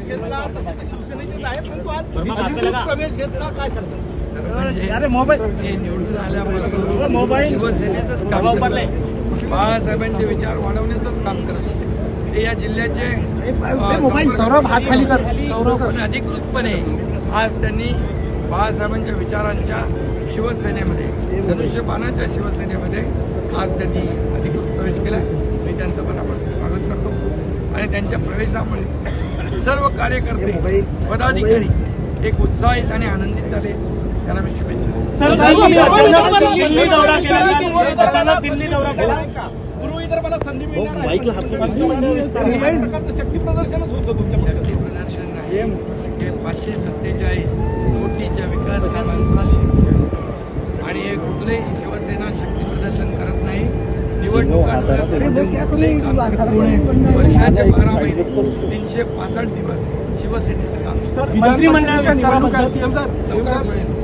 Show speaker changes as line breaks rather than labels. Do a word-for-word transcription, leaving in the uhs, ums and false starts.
प्रवेश घेतला तसे ते शिवसेनेचेच आहे, परंतु आज अधिकृत प्रवेश घेतला, काय सांगतात?
अरे मोबाईल
हे निवडून आल्यापासून मोबाईल शिवसेनेचंच काम करत, बाळासाहेबांचे विचार वाढवण्याचंच काम करत. ते या जिल्ह्याचे
सौरभ हात खाली कर.
पण अधिकृतपणे आज त्यांनी बाळासाहेबांच्या विचारांच्या शिवसेनेमध्ये, धनुष्यबाणाच्या शिवसेनेमध्ये आज त्यांनी अधिकृत प्रवेश केला. मी त्यांचं मनापासून स्वागत करतो आणि त्यांच्या प्रवेशामुळे सर्व कार्यकर्ते, पदाधिकारी एक उत्साहित आणि आनंदित झाले. त्यांना मी शुभेच्छा.
दिल्ली दौरा केला, पूर्व विदर्भाला संधी मिळणार आहे. प्रकारचं शक्ती प्रदर्शनच होतं तुमच्या
शक्ती प्रदर्शन नाही, हे पाचशे सत्तेचाळीस कोटीच्या विकास कामांचं आणि हे कुठलेही शिवसेना शक्ती प्रदर्शन करत नाही. निवडणुकांमध्ये वर्षाचे बारा महिने तीनशे पासष्ट दिवस शिवसेनेचं काम
मंत्रिमंडळाच्या निवडणुका
लवकरात होईल.